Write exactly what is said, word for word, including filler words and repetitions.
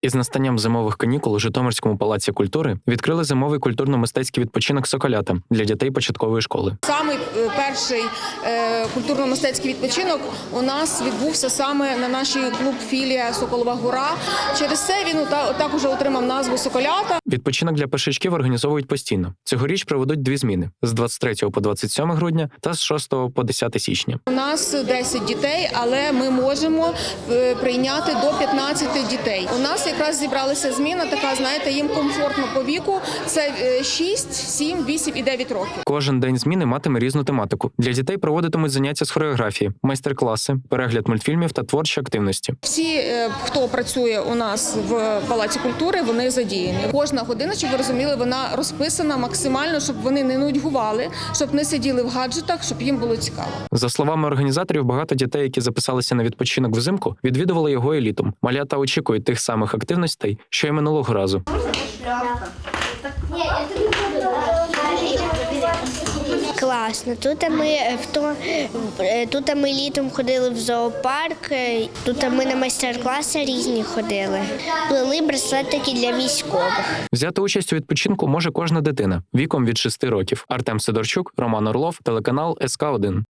Із настанням зимових канікул у Житомирському палаці культури відкрили зимовий культурно-мистецький відпочинок «Соколята» для дітей початкової школи. Самий е, перший е, культурно-мистецький відпочинок у нас відбувся саме на нашій клуб-філія «Соколова гора». Через це він та- також отримав назву «Соколята». Відпочинок для першачків організовують постійно. Цьогоріч проведуть дві зміни – з двадцять третього по двадцять сьоме грудня та з шостого по десяте січня. У нас десять дітей, але ми можемо е, прийняти до п'ятнадцяти дітей. У нас якраз зібралася зміна, така, знаєте, їм комфортно по віку. Це е, шість, сім, вісім і дев'ять років. Кожен день зміни матиме різну тематику. Для дітей проводитимуть заняття з хореографії, майстер-класи, перегляд мультфільмів та творчі активності. Всі, е, хто працює у нас в Палаці культури, вони задіяні. Кожна година, щоб ви розуміли, вона розписана максимально, щоб вони не нудьгували, щоб не сиділи в гаджетах, щоб їм було цікаво. За словами організаторів, багато дітей, які записалися на відпочинок взимку, відвідували його і літом. Малята очікують тих самих активностей, що й минулого разу. Класно. Тут ми в то тут ми літом ходили в зоопарк. Тут ми на майстер-класи різні ходили. Плели браслетики для військових. Взяти участь у відпочинку може кожна дитина віком від шести років. Артем Сидорчук, Роман Орлов, телеканал ес ка один.